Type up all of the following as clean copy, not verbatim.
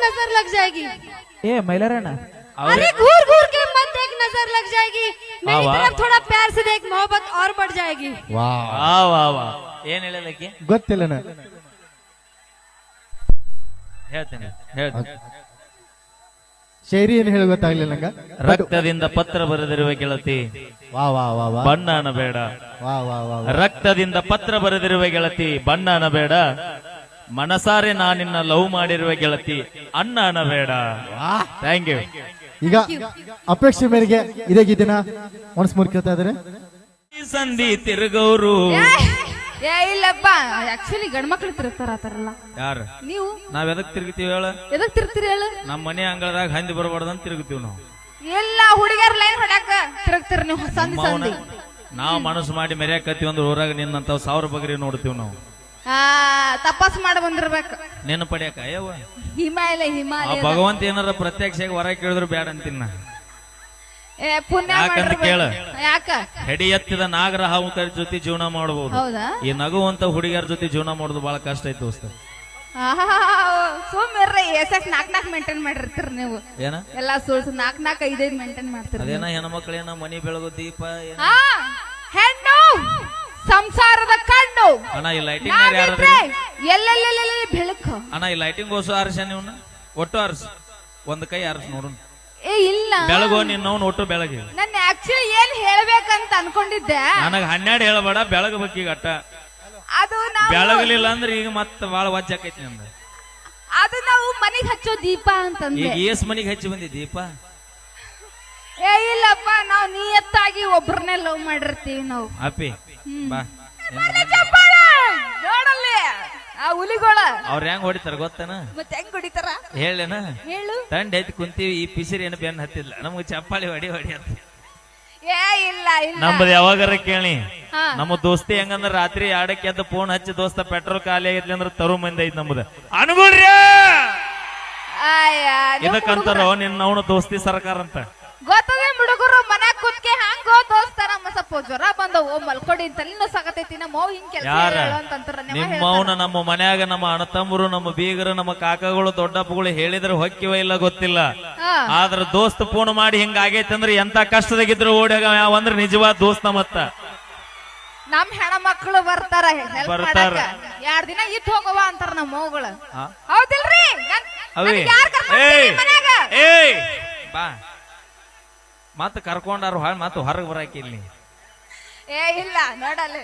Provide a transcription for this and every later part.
नजर लग जाएगी। ए मैलराना अरे घूर घूर के मत देख, नजर लग जाएगी। मेरी वाह, तरफ थोड़ा प्यार से देख, मोहब्बत और बढ़ जाएगी। ವಾ ವಾ ವಾ ಏನ್ ಹೇಳಲಕ್ಕೆ ಗೊತ್ತಿಲ್ಲನ ಹೇಳ್ತೇನೆ ಶೈರಿ ಏನು ಹೇಳಿ ಗೊತ್ತಾಗ್ಲಿಲ್ಲ ನಂಗ. ರಕ್ತದಿಂದ ಪತ್ರ ಬರೆದಿರುವ ಗೆಳತಿ ವಾ ವಾ ವಾ ವಾ ಬಣ್ಣ ಅನ್ನಬೇಡ. ವಾ ವಾ ವಾ ರಕ್ತದಿಂದ ಪತ್ರ ಬರೆದಿರುವ ಗೆಳತಿ ಬಣ್ಣ ಅನ್ನಬೇಡ. ಮನಸಾರೆ ನಾನಿನ್ನ ಲವ್ ಮಾಡಿರುವ ಗೆಳತಿ ಅಣ್ಣ ಅನ್ನಬೇಡ. Thank you. ಈಗ ಅಪೇಕ್ಷೆ ಮೇರೆಗೆ ಇದೇ ಗೀತೆನ ಒನ್ಸ್ ಮೂರ್ ಕೇಳ್ತಾ ಇದಾರೆ. ಸಂಧಿ ತಿರುಗೌರು ಏ ಇಲ್ಲಪ್ಪ, ಆಕ್ಚುಲಿ ಗಂಡ್ ಮಕ್ಳು ತಿರುಗ್ತಾರ ಆತರಲ್ಲ. ಯಾರ ನೀವು ನಾವ್ ಎದಕ್ ತಿರುಗ್ತೀವಿ ಹೇಳ? ಎದಕ್ ತಿರುಗ್ತೀರಿ ಹೇಳು? ನಮ್ಮ ಮನೆ ಅಂಗಳದಾಗ ಹಂದಿ ಬರಬಾರ್ದಂತ ತಿರುಗ್ತೀವಿ ನಾವು. ಎಲ್ಲ ಹುಡುಗರ್ ಲೈನ್ ಹೊಡ್ಯಾಕ ತಿರುಗ್ತೀರಿ ನೀವು ಸಂಧಿ ಸಂಧಿ. ನಾವ್ ಮನಸ್ಸು ಮಾಡಿ ಮೆರ್ಯಾಕತ್ತೀವಿ ಅಂದ್ರೆ ಊರಾಗ ನಿನ್ನಂತ 1000 ಬಗ್ರಿ ನೋಡ್ತೀವಿ ನಾವು. ತಪಾಸ್ ಮಾಡಿ ಬಂದಿರ್ಬೇಕು ನೆನ ಪಡ್ಯಾಕ ಅಯ್ಯವ್ವ. ಹಿಮಾಲಯ ಹಿಮಾಲಯ ಭಗವಂತ ಏನಾರ ಪ್ರತ್ಯಕ್ಷವಾಗಿ ಹೊರ ಕೇಳಿದ್ರು ಬ್ಯಾಡ ಅಂತೀನ. ಪುಣ್ಯ ಯಾಕಂತ ಕೇಳ, ಯಾಕ ಹೆಡಿ ಎತ್ತಿದ ನಾಗರ ಹಾವುಕರ ಜೊತೆ ಜೀವನ ಮಾಡಬಹುದು. ಹೌದಾ? ಈ ನಗುವಂತ ಹುಡುಗಿಯರ ಜೊತೆ ಜೀವನ ಮಾಡೋದು ಬಹಳ ಕಷ್ಟ ಐತಿ ದೋಸ್ತ. ಸುಮ್ಮಿರ್ರಿ, ಎಸಕ್ 4 ಮೇಂಟೈನ್ ಮಾಡಿರ್ತೀರಿ ನೀವು. ಏನ ಎಲ್ಲ ಸುಳ್ಸು 4 5 ಮೇಂಟೈನ್ ಮಾಡ್ತೀರಿ. ಅದೇನ ಹೆಣ್ಮಕ್ಳೇನ ಮನಿ ಬೆಳಗು ದೀಪ ಏನ? ಹೆಣ್ಣು ಸಂಸಾರದ ಕಣ್ಣು. ಅಣ್ಣ ಈ ಲೈಟಿಂಗ್ ಯಾರು? ಎಲ್ಲೆಲ್ಲೆಲ್ಲ ಬೆಳಕು. ಅಣ್ಣ ಈ ಲೈಟಿಂಗ್ ಓಸು ಆರಿಸ ನೀವನ್ನ ಒಟ್ಟು ಆರಿಸ, ಒಂದ್ ಕೈ ಆರಿಸ್ ನೋಡು. ಏ ಇಲ್ಲ, ಬೆಳಗೋ ನಿನ್ನವನ್ ಒಟ್ಟು ಬೆಳಗ್ಗೆ. ನನ್ನ ಆಕ್ಚುಲಿ ಏನ್ ಹೇಳ್ಬೇಕಂತ ಅನ್ಕೊಂಡಿದ್ದೆ. ನನಗ 12 ಹೇಳಬೇಡ, ಬೆಳಗಬೇಕು ಈಗ ಅಟ್ಟ. ಅದು ನಾವು ಬೆಳಗಲಿಲ್ಲ ಅಂದ್ರೆ ಈಗ ಮತ್ತ ಬಾಳ ವಜ್ಜಾಕೈತಿ ನಂದ. ಅದು ನಾವು ಮನಿಗ್ ಹಚ್ಚೋ ದೀಪ ಅಂತಂದ್ರೆ. ಈಗ ಏಸ್ ಮನಿಗೆ ಹಚ್ಚಿ ಬಂದಿ ದೀಪ? ಏ ಇಲ್ಲಪ್ಪ, ನಾವು ನಿಯತ್ತಾಗಿ ಒಬ್ರನ್ನೇ ಲವ್ ಮಾಡಿರ್ತೀವಿ ನಾವು. ಅಪ್ಪಿ ಬಾ. ನೋಡಲ್ಲಿ ಆ ಹುಲಿಗೋಳ ಅವ್ರ ಹೆಂಗ್ ಹೊಡಿತಾರ ಗೊತ್ತನ? ಮತ್ತೆ ಹೆಂಗ್ ಹೊಡಿತಾರ ಹೇಳೇನ? ಹೇಳು. ತಂಡ ಐತಿ ಕುಂತೀವಿ, ಈ ಪಿಸಿರಿ ಏನು ಬೆನ್ ಹತ್ತಿಲ್ಲ ನಮ್ಗೆ. ಚಪ್ಪಾಳಿ ಹೊಡಿ ಅಂತ ಏ ಇಲ್ಲ ಇಲ್ಲ, ನಮ್ಮದು ಯಾವಾಗಾರ ಕೇಳಿ. ಹಾ. ನಮ್ಮ ದೋಸ್ತಿ ಹೆಂಗಂದ್ರ ರಾತ್ರಿ 2ಕ್ಕೆ ಎದ್ದು ಫೋನ್ ಹಚ್ಚಿ, ದೋಸ್ತ ಪೆಟ್ರೋಲ್ ಖಾಲಿ ಆಗಿದ್ಲಿ ಅಂದ್ರೆ ತರು ಮಂದಿ ಐತಿ ನಮ್ದು ಅನುಗುಳ್ರಿ. ಇದಕ್ಕಂತಾರ ನಿನ್ನ ಅವನು ದೋಸ್ತಿ ಸರ್ಕಾರ ಅಂತ. ಗೊತ್ತದೆ ಹುಡುಗರು ಮನ್ಯಾಗ ಕುತ್ಕೆ ಹಂಗೋ ದೋಸ್ತರ ಸ್ವಲ್ಪ ಜ್ವರ ಬಂದವು ಮಲ್ಕೊಡಿ ತಲೆನೋ ಸಾಕತೈತಿ ನಮ್ಮ ಹಿಂಗ್ ಕೆಲಸ ಯಾರ ಅಂತಂತಾರ. ನಿಮ್ಮವನ ನಮ್ಮ ಮನ್ಯಾಗ ನಮ್ಮ ಅಣ್ಣತಮ್ಮರು, ನಮ್ಮ ಬೀಗರು, ನಮ್ಮ ಕಾಕಗಳು, ದೊಡ್ಡಪ್ಪಗಳು ಹೇಳಿದ್ರೆ ಹೊಕ್ಕಿವ ಇಲ್ಲ ಗೊತ್ತಿಲ್ಲ. ಆದ್ರ ದೋಸ್ತ್ ಫೋನ್ ಮಾಡಿ ಹಿಂಗ ಆಗೈತಿ ಅಂದ್ರೆ ಎಂತ ಕಷ್ಟದಾಗಿದ್ರು ಓಡ್ಯಾಗ ಯಾವಂದ್ರ ನಿಜವಾದ ದೋಸ್ತ. ಮತ್ತ ನಮ್ ಹೆಣ್ಮಕ್ಳು ಬರ್ತಾರ 2 ದಿನ ಇದ್ ಹೋಗವ ಅಂತಾರ ನಮ್ಮ ಮಗಳು. ಹೌದಿಲ್ರಿ? ಬಾ ಮತ್ತ ಕರ್ಕೊಂಡಾರು ಹಾಳ್ ಮತ್ತ ಹೊರಗ್ ಬರಾಕಿಲ್ಲಿ. ಏ ಇಲ್ಲ ನೋಡಲ್ಲ.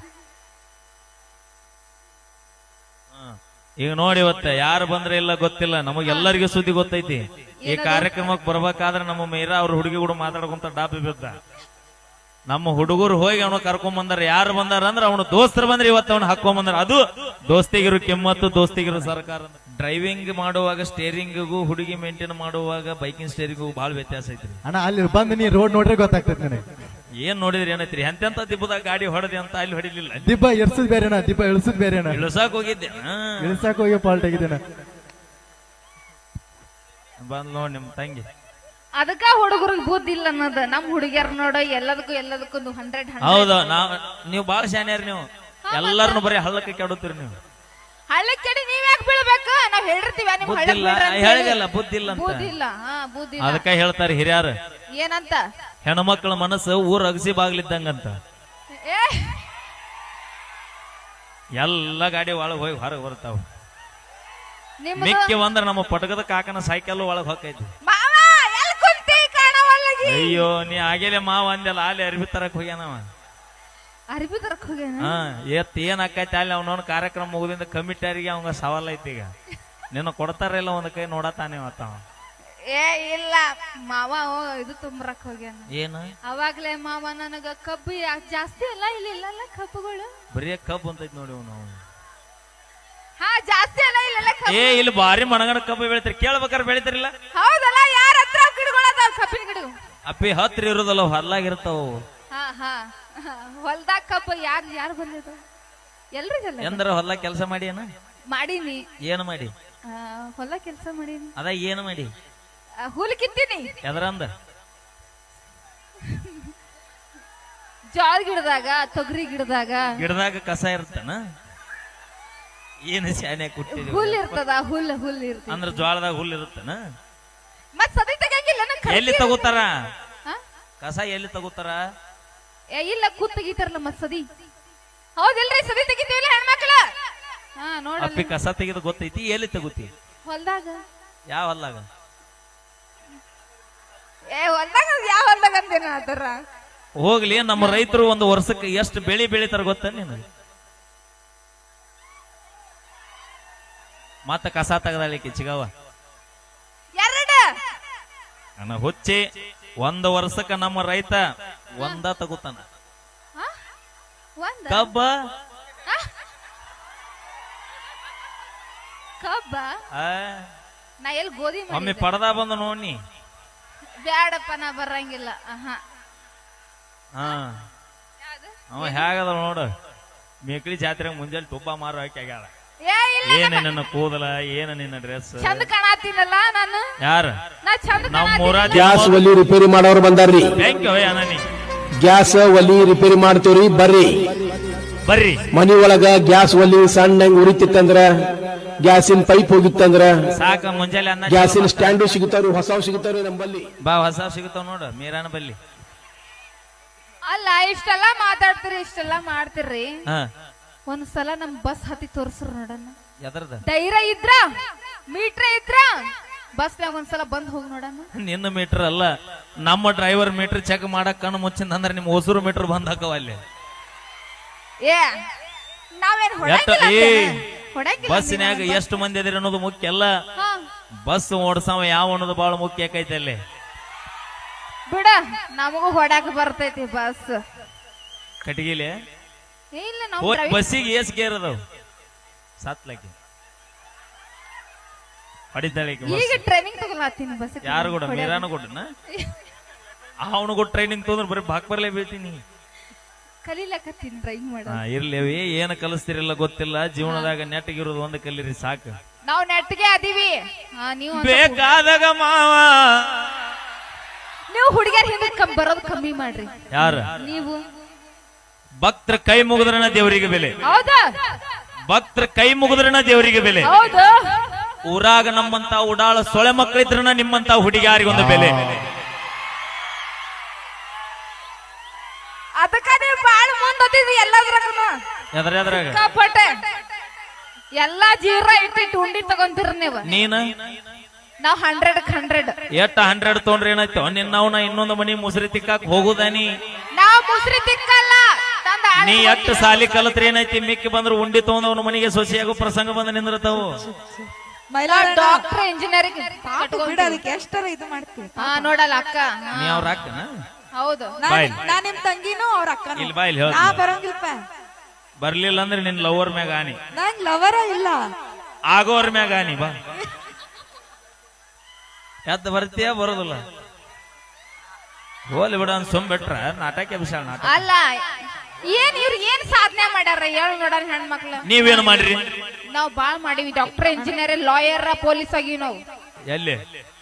ಈಗ ನೋಡಿ ಇವತ್ತ ಯಾರು ಬಂದ್ರೆ ಇಲ್ಲ ಗೊತ್ತಿಲ್ಲ, ನಮಗೆಲ್ಲರಿಗೂ ಸುದ್ದಿ ಗೊತ್ತೈತಿ. ಈ ಕಾರ್ಯಕ್ರಮಕ್ಕೆ ಬರ್ಬೇಕಾದ್ರೆ ನಮ್ಮ ಮೀರಾ ಅವ್ರ ಹುಡುಗಿ ಕೂಡ ಮಾತಾಡ್ಕೊಂತ ಡಾಬಿ ಬಿದ್ದ. ನಮ್ಮ ಹುಡುಗರು ಹೋಗಿ ಅವನು ಕರ್ಕೊಂಡ್ ಬಂದಾರ. ಯಾರು ಬಂದಾರ ಅಂದ್ರೆ ಅವನು ದೋಸ್ತರು ಬಂದ್ರೆ ಇವತ್ತು ಅವನು ಹಾಕೊಂಡ್ ಬಂದಾರ. ಅದು ದೋಸ್ತಿಗಿರು ಕೆಮ್ಮತ್ತು, ದೋಸ್ತಿಗಿರು ಸರ್ಕಾರ. ಡ್ರೈವಿಂಗ್ ಮಾಡುವಾಗ ಸ್ಟೇರಿಂಗಿಗೂ, ಹುಡುಗಿ ಮೇಂಟೈನ್ ಮಾಡುವಾಗ ಬೈಕಿಂಗ್ ಸ್ಟೇರಿಂಗಿಗೂ ಬಹಳ ವ್ಯತ್ಯಾಸ ಐತ್ರಿ ಅಣ್ಣ. ಅಲ್ಲಿ ಬಂದು ನೀ ರೋಡ್ ನೋಡ್ರೆ ಗೊತ್ತಾಗ್ತದೆ ನನಗೆ. ಏನ್ ನೋಡಿದ್ರಿ ಏನೈತ್ರಿ? ಎಂತೆಂತ ದಿಬ್ಬದಾಗ ಗಾಡಿ ಹೊಡೆದಿ ಅಂತ ಅಲ್ಲಿ ಹೊಡಿಲಿಲ್ಲ. ದಿಬ್ಬ ಎರ್ಸದ್ ಬೇರೆನ, ದಿಬ್ಬ ಇಳಿಸದ್ ಬೇರೆನ. ಇಳಿಸಾಕ್ ಹೋಗಿದ್ದೆ, ಇಳಿಸಾಕ್ ಹೋಗಿ ಪಾಲ್ಟ್ ಆಗಿದ್ದೇನ. ಬಂದ್ ನೋಡ್ ನಿಮ್ ತಂಗಿ. ಅದಕ್ಕ ಹುಡುಗರಿಗೆ ಬುದ್ಧಿ ಇಲ್ಲ ಅನ್ನೋದು. ನಮ್ ಹುಡುಗಿಯರ್ ನೋಡೋ ಎಲ್ಲದಕ್ಕೂ 100. ಹೌದು, ನೀವು ಬಾಳ ಶಾನ್ಯಾರ. ನೀವು ಎಲ್ಲಾರನು ಬರೀ ಹಳ್ಳಕ್ಕೆ ಕೆಡುತ್ತೀರಿ. ನೀವು ಹಳ್ಳಕ್ಕೆ ಕೆಡಿ ನೀವ್ ಯಾಕೆ ಬೀಳ್ಬೇಕು? ನಾವ್ ಹೇಳಿರ್ತೀವಿ ನಿಮ್ ಹೇಳಿಲ್ಲ ಬುದ್ಧಿ ಇಲ್ಲ ಅಂತ. ಬುದ್ಧಿ ಇಲ್ಲ. ಬುದ್ಧಿ ಅದಕ್ಕ ಹೇಳ್ತಾರೆ ಹಿರಿಯರು, ಏನಂತ? ಹೆಣ್ಮಕ್ಳ ಮನಸ್ಸು ಊರ್ ಅಗಸಿ ಬಾಗ್ಲಿದ್ದಂಗಂತ. ಎಲ್ಲ ಗಾಡಿ ಒಳಗ್ ಹೋಗಿ ಹೊರಗೆ ಬರ್ತಾವ. ಮಿಕ್ಕಿ ಒಂದ್ರ ನಮ್ಮ ಪಟಕದ ಕಾಕನ ಸೈಕಲ್ ಒಳಗ್ ಹೊಕ್ಕೈತಿ. ಅಯ್ಯೋ ನೀ ಆಗೇಲೆ ಮಾವ ಅಂದೆಲ್ಲ ಅಲ್ಲಿ ಅರ್ಬಿ ತರಕ್ ಹೋಗ್ಯಾನವ. ಅರ್ಬಿ ತರಕ್ ಹೋಗ್ಯಾನ? ಏನ್ ಆಕೈತಿ ಅಲ್ಲಿ ಅವನವನ್ ಕಾರ್ಯಕ್ರಮ ಮುಗಿದಿಂದ ಕಮಿಟಿಯರಿಗೆ ಅವಂಗ ಸವಾಲ್ ಐತಿ. ಈಗ ನಿನ್ನ ಕೊಡ್ತಾರಿಲ್ಲ ಒಂದ್ ಕೈ ನೋಡತಾನೆ ಮತ್ತವ. ಏ ಇಲ್ಲ ಮಾವ ಇದು ತುಂಬರಕ್ ಹೋಗ್ಯಾನ. ಏನು? ಅವಾಗ್ಲೇ ಮಾವ ನನಗ ಕಬ್ಬು ಜಾಸ್ತಿ ಅಲ್ಲ ಇಲ್ಲಿ ಇಲ್ಲ ಕಬ್ಬುಗಳು. ಬರೀ ಕಬ್ಬು ಅಂತೈತಿ ನೋಡಿ ಅವನು. ಜಾಸ್ತಿ ಅಲ್ಲ ಇಲ್ಲ. ಏ ಇಲ್ಲಿ ಬಾರಿ ಮಣಗಣ ಕಬ್ಬು ಬೆಳಿತಾರ, ಕೇಳ್ಬೇಕಾರೆ ಬೆಳಿತಾರಿಲ್ಲ? ಹೌದಲ್ಲ, ಯಾರ ಹತ್ರ ಗಿಡಗಳದ ಕಬ್ಬಿನ ಗಿಡ? ಅಪ್ಪಿ ಹತ್ರ ಇರೋದಲ್ಲ, ಹೊಲ್ಲಾಗಿರ್ತಾವ. ಹೊಲ್ದಾಗ ಕಬ್ಬು ಯಾರು ಬಂದಿದ್ದು? ಎಲ್ರಿಗಲ್ಲ. ಎಂದ್ರ ಹೊಲ ಕೆಲಸ ಮಾಡಿ ಏನ ಮಾಡೀನಿ. ಏನು ಮಾಡಿ? ಹೊಲ ಕೆಲಸ ಮಾಡೀನಿ. ಅದ ಏನು ಮಾಡಿ? ಹುಲ್ ಕಿತ್ತೀನಿ. ಎದರಂದ? ಜೋಳ ಗಿಡದಾಗ, ತೊಗರಿ ಗಿಡದಾಗ ಕಸ ಇರ್ತಾನ. ಏನು ಶಾನೆ ಕುಟ್ಟಿದ್ವಿ ಹುಲ್ ಇರ್ತದ ಹುಲ್ ಇರ್ತದ ಅಂದ್ರ ಜ್ವಾಳದಾಗ ಹುಲ್ ಇರುತ್ತನ ಮತ್ ಸದಿ ತೆಗಿಯಂಗಿಲ್ಲ ಎಲ್ಲಿ ತಗೋತಾರ ಕಸ ಎಲ್ಲಿ ತಗೋತಾರ ಇಲ್ಲ ಕೂತ್ ತೆಗಿತಾರಲ್ಲ ಮತ್ ಸದಿ ಹೌದಿಲ್ರಿ ಸದಿ ತೆಗಿತೀವಿಲ್ಲ ಹೆಣ್ಮಕ್ಳ ನೋಡ ಅಪ್ಪಿ ಕಸ ತೆಗೆದು ಗೊತ್ತೈತಿ ಎಲ್ಲಿ ತಗೋತಿ ಹೊಲ್ದಾಗ ಯಾವ ಹೊಲ್ದಾಗ ಹೊಲ್ದಾಗ ಯಾವ ಹೊಲ್ದಾಗ ಅಂತೇನ ಅದರ ಹೋಗ್ಲಿ ನಮ್ಮ ರೈತರು ಒಂದು ವರ್ಷಕ್ಕೆ ಎಷ್ಟು ಬೆಳಿ ಬೆಳಿತಾರ ಗೊತ್ತ ನೀನು ಮತ್ತ ಕಸ ತೆಗದಾಳಿಕೆ ಚಿಗವ ನನ್ನ ಹುಚ್ಚಿ ಒಂದು ವರ್ಷಕ್ಕ ನಮ್ಮ ರೈತ ಒಂದ ತಗೋತಾನ ಕಬ್ಬ ಕಬ್ಬ ನಾ ಎಲ್ಲಿ ಗೋಧಿ ಒಮ್ಮೆ ಪಡದ ಬಂದು ನೋಡಿ ಬ್ಯಾಡಪ್ಪ ನಾ ಬರಂಗಿಲ್ಲ ಅವ ಹೇಗದ ನೋಡು ಮೇಕಳಿ ಜಾತ್ರೆ ಮುಂಜಾನೆ ತುಪ್ಪ ಮಾರು ಹಾಕಿ ಆಗ್ಯಾಳ ಏನ ನಿನ್ನ ಕೂದಲ ಏನ ನಿನ್ನ ಡ್ರೆಸ್ ಚಂದ ಕಾಣತೀನಲ್ಲ ನಾನು ಯಾರ ನಾ ಚಂದ ನಮ್ಮ ಗ್ಯಾಸ್ ಒಲಿ ರಿಪೇರಿ ಮಾಡೋರು ಬಂದಾರ್ರಿ ಗ್ಯಾಸ್ ಒಲಿ ರಿಪೇರಿ ಮಾಡ್ತೀವ್ರಿ ಬರ್ರಿ ಮನಿ ಒಳಗ ಗ್ಯಾಸ್ ಒಲಿ ಸಣ್ಣಂಗ್ ಉರಿತಿತ್ತಂದ್ರ ಗ್ಯಾಸಿನ ಪೈಪ್ ಹೋಗಿತ್ತಂದ್ರ ಸಾಕ ಮುಂಜಾನೆ ಅನ್ನ ಗ್ಯಾಸಿನ ಸ್ಟ್ಯಾಂಡು ಸಿಗುತ್ತಾವ್ರಿ ಹೊಸವ್ ಸಿಗುತ್ತಾವ್ರಿ ನಮ್ಮಲ್ಲಿ ಬಾ ಹೊಸ ಸಿಗುತ್ತಾವ ನೋಡು ಮೀರಾನ ಬಲ್ಲಿ ಅಲ್ಲ ಇಷ್ಟೆಲ್ಲ ಮಾತಾಡ್ತೀರಿ ಇಷ್ಟೆಲ್ಲ ಮಾಡ್ತಿರ್ರಿ ಒಂದ್ಸಲ ನಮ್ ಬಸ್ ಹತ್ತಿ ತೋರ್ಸ್ರು ನೋಡಣ ಎದರ್ದ ಧೈರ್ಯ ಇದ್ರ ಮೀಟ್ರ ಇದ್ರ ಬಸ್ನಾಗ ಒಂದ್ಸಲ ಬಂದ್ ಹೋಗಿ ನೋಡಣ ನಿನ್ನ ಮೀಟರ್ ಅಲ್ಲ ನಮ್ಮ ಡ್ರೈವರ್ ಮೀಟರ್ ಚೆಕ್ ಮಾಡಕ್ ಕಣ್ಣು ಮುಚ್ಚಿಂದ ಅಂದ್ರೆ ನಿಮ್ ಹೊಸೂರು ಮೀಟರ್ ಬಂದ್ ಹಾಕವ ಅಲ್ಲಿ ನಾವೇನ್ ಬಸ್ಸಿನಾಗ ಎಷ್ಟು ಮಂದಿ ಅದಿರಿ ಅನ್ನೋದು ಮುಖ್ಯ ಅಲ್ಲ ಬಸ್ ಓಡ್ಸವ ಯಾವ ಅನ್ನೋದು ಬಹಳ ಮುಖ್ಯ ಆಕೈತೆ ಅಲ್ಲಿ ಬಿಡ ನಮಗೂ ಹೊಡಾಕ ಬರ್ತೈತಿ ಬಸ್ ಕಟಗಿಲೆ ಇಲ್ಲ ನಾವು ಬಸ್ಸಿಗೆ ಏಸ್ ಗೇರ್ ಅದಾವ ಸಾತ್ಲಕ್ಕೆ ಹೊಡಿತಾಳೆ ಈಗ ಟ್ರೈನಿಂಗ್ ತಗೊಳತ್ತೀನಿ ಬಸ್ ಯಾರು ಕೂಡ ಮೀರಾನು ಕೊಟ್ಟನ ಅವನು ಕೂಡ ಟ್ರೈನಿಂಗ್ ತೊಂದ್ರೆ ಬರೀ ಬಾಕ್ ಬರ್ಲೇ ಬೀಳ್ತೀನಿ ಕಲೀಲಕತ್ತೀನಿ ಡ್ರೈವಿಂಗ್ ಮಾಡ ಇರ್ಲೇವಿ ಏನ ಕಲಿಸ್ತಿರಲ್ಲ ಗೊತ್ತಿಲ್ಲ ಜೀವನದಾಗ ನೆಟ್ಟಗಿರೋದು ಒಂದು ಕಲೀರಿ ಸಾಕು ನಾವು ನೆಟ್ಗೆ ಅದೀವಿ ನೀವು ಬೇಕಾದಾಗ ಮಾವ ನೀವು ಹುಡುಗಿಯರ್ ಹಿಂದೆ ಬರೋದು ಕಮ್ಮಿ ಮಾಡ್ರಿ ಯಾರ ನೀವು ಭಕ್ತರ ಕೈ ಮುಗಿದ್ರನ ದೇವರಿಗೆ ಬೆಲೆ ಹೌದಾ ಭಕ್ತರ ಕೈ ಮುಗಿದ್ರನ ದೇವರಿಗೆ ಬೆಲೆ ಹೌದು ಊರಾಗ ನಮ್ಮಂತ ಉಡಾಳ ಸೊಳೆ ಮಕ್ಕಳಿದ್ರನ ನಿಮ್ಮಂತ ಹುಡುಗಿಯಾರಿಗೊಂದು ಬೆಲೆ ಅದಕ್ಕ ನೀವು ಬಾಳ ಮುಂದಿದ್ವಿ ಎಲ್ಲದ್ರಾಗ ಎದ್ರಾಗ ಕಾಪಟ್ಟೆ ಎಲ್ಲಾ ಜೀರ ಇಟ್ಟಿಟ್ಟು ಉಂಡಿ ತಗೊಂತೀರ ನೀವು ನೀನ ನಾವ್ 100 ಎಷ್ಟ 100 ತೊಗೊಂಡ್ರೆ ಏನಾಯ್ತು ನಿನ್ನವನ ಇನ್ನೊಂದು ಮನಿ ಮುಸ್ರಿ ತಿಕ್ಕಾಕ್ ಹೋಗುದಾನಿ ನಾವ್ ಮುಸ್ರಿ ತಿಕ್ಕಲ್ಲ ನೀ ಎಟ್ಟು ಸಾಲಿ ಕಲತ್ರಿ ಏನೈತಿ ಮಿಕ್ಕಿ ಬಂದ್ರು ಉಂಡಿ ತಗೊಂಡವನ ಮನಿಗೆ ಸೊಸೆಯಾಗೋ ಪ್ರಸಂಗ ಬಂದ ನಿಂದಿರ್ತಾವು ಡಾಕ್ಟರ್ ಇಂಜಿನಿಯರಿಂಗ್ ಎಷ್ಟರ ಇದು ಮಾಡ್ತೀವಿ ನೋಡಲ್ಲ ಅಕ್ಕ ನೀ ಅವ್ರ ಅಕ್ಕನ ಹೌದು ನಾ ನಿಮ್ ತಂಗಿನೂ ಅವ್ರ ಅಕ್ಕ ಇಲ್ಲಿ ಬಾ ಇಲ್ಲಿ ನಾ ಬರಂಗಿಲ್ಪ ಬರ್ಲಿಲ್ಲ ಅಂದ್ರೆ ನಿನ್ ಲವರ್ ಮ್ಯಾಗ ಆನಿ ನನ್ ಲವರ ಇಲ್ಲ ಆಗೋರ್ ಮ್ಯಾಗ ಆನಿ ಬಾ ಎದ್ದ ಬರ್ತೀಯ ಬರೋದಿಲ್ಲ ಹೋಲಿ ಬಿಡ ಸುಮ್ ಬಿಟ್ರ ನಾಟಕ ವಿಶಾಲ ನಾಟಕ ಅಲ್ಲ ಇವ್ರು ಏನ್ ಸಾಧನೆ ಮಾಡ್ಯಾರ ಹೇಳು ನೋಡೋಣ ಹೆಣ್ಮಕ್ಳು ನೀವೇನು ಮಾಡ್ರಿ ನಾವ್ ಬಾಳ್ ಮಾಡಿವಿ ಡಾಕ್ಟರ್ ಇಂಜಿನಿಯರ್ ಲಾಯರ್ ಪೊಲೀಸ್ ಆಗಿವಿ ನಾವು ಎಲ್ಲಿ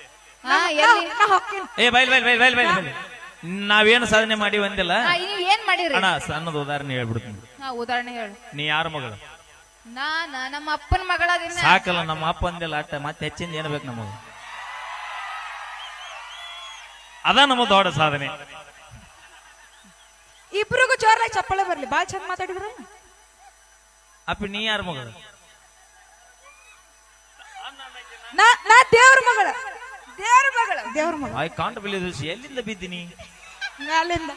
ಎಲ್ಲಿ ಬೈಲ್ ನಾವೇನು ಸಾಧನೆ ಮಾಡಿ ಒಂದಿಲ್ಲ ನೀವ್ ಏನ್ ಮಾಡಿರಿ ಅಣ್ಣ ಸಣ್ಣದ ಉದಾಹರಣೆ ಹೇಳ್ಬಿಡ್ತೀನಿ ಉದಾಹರಣೆ ಹೇಳು ನೀ ಯಾರ ಮಗಳು ನಮ್ಮ ಅಪ್ಪನ ಮಗಳ ಸಾಕಲ್ಲ ನಮ್ಮ ಅಪ್ಪ ಅಂದಿಲ್ಲ ಅಟ್ಟ ಮತ್ತೆ ಹೆಚ್ಚಿಂದ ಏನ್ ಬೇಕು ನಮಗ ಅದ ನಮ್ಮ ದೊಡ್ಡ ಸಾಧನೆ ಇಬ್ರಿಗೂ ಜೋರಾಗಿ ಚಪ್ಪಳೆ ಬರ್ಲಿ ಬಾಳ್ ಚಂದ ಮಾತಾಡಿದ್ರ ಅಪ್ಪಿ ನೀ ಯಾರ ಮಗಳು ನಾ ದೇವ್ರ ಮಗಳ ದೇವ್ರ ಮಗಳ ಐ ಕಾಂಟ್ ಬಿಲೀವ್ ದಿಸ್ ಎಲ್ಲಿಂದ ಬಿದ್ದೀನಿ ಮ್ಯಾಲಿಂದ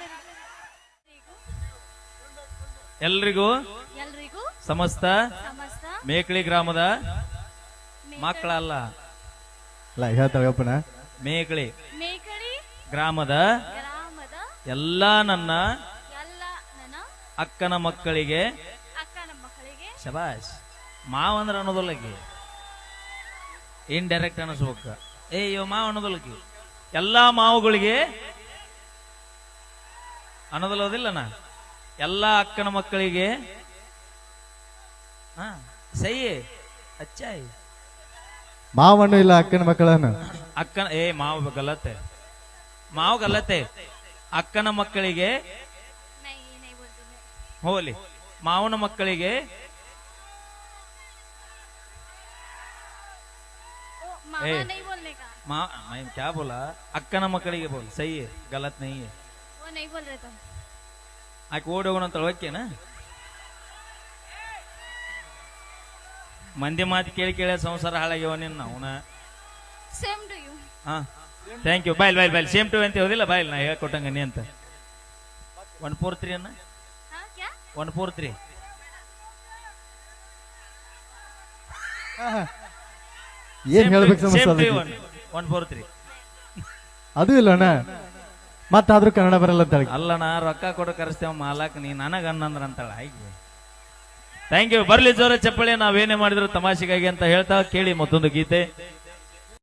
ಎಲ್ರಿಗೂ ಸಮಸ್ತ ಮೇಕಳಿ ಗ್ರಾಮದ ಮಕ್ಕಳಲ್ಲ ಹೇಳ್ತಾಳಪ್ಪನ ಮೇಕಳಿ ಗ್ರಾಮದ ಎಲ್ಲಾ ನನ್ನ ಅಕ್ಕನ ಮಕ್ಕಳಿಗೆ ಶಬಾಷ್ ಮಾವ ಅಂದ್ರೆ ಅನ್ನೋದಲ್ಲಕಿ ಇಂಡೈರೆಕ್ಟ್ ಅನಿಸ್ಬೇಕ ಇವ ಮಾವ ಅನ್ನೋದಲ್ಲಕಿ ಎಲ್ಲಾ ಮಾವುಗಳಿಗೆ ಅನ್ನೋದಲ್ಲೋದಿಲ್ಲನ ಎಲ್ಲಾ ಅಕ್ಕನ ಮಕ್ಕಳಿಗೆ ಸೈ ಅಚ್ಚಾಯ್ ಮಾವಣ್ಣು ಇಲ್ಲ ಅಕ್ಕನ ಮಕ್ಕಳನ್ನು ಅಕ್ಕನ ಮಾವ ಗಲತೆ ಮಾವ ಗಲತೆ ಅಕ್ಕನ ಮಕ್ಕಳಿಗೆ ಹೋಲಿ ಮಾವನ ಮಕ್ಕಳಿಗೆ ए नहीं बोलने का माँ मैं क्या बोला अಕ್ಕನ ಮಕ್ಕಳಿಗೆ बोल सही है गलत नहीं है वो नहीं बोल रहे तुम ಆಕೆ ಓಡಿ ಹೋಗೋಣ ಅಂತ ಓಕೆನಾ ಮಂದಿ ಮಾತು ಕೇಳಿ ಕೇಳಿ ಸಂಸಾರ ಹಾಳಾಗ್ಯವ ನಿನ್ನ ಅವನ सेम टू यू ಹಾ thank you bye bye bye same to ಅಂತ ಹೋದಿಲ್ಲ ಬಾಯ್ ನಾ ಹೇಳ್ಕೊಟ್ಟಂಗ ನೀ ಅಂತ 143 ಅನ್ನ हाँ क्या 143 ಏನ್ ಹೇಳ್ಬೇಕು ಸಮಸ್ಯೆ 143 ಅದು ಇಲ್ಲ ಅಣ್ಣ ಮತ್ತಾದ್ರೂ ಕನ್ನಡ ಬರಲ್ಲ ಅಂತ ಹೇಳಿ ಅಲ್ಲ ನಾ ರೊಕ್ಕ ಕೊಡು ಕರೆಸ್ತೇವ ಮಾಲಕ್ ನೀ ನನಗ ಅನ್ನಂದ್ರ ಅಂತಾಳ ಹಾಗೆ ಥ್ಯಾಂಕ್ ಯು ಬರ್ಲಿ ಜೋರ ಚಪ್ಪಳಿ ನಾವೇನೇ ಮಾಡಿದ್ರು ತಮಾಷೆಗಾಗಿ ಅಂತ ಹೇಳ್ತಾ ಕೇಳಿ ಮತ್ತೊಂದು ಗೀತೆ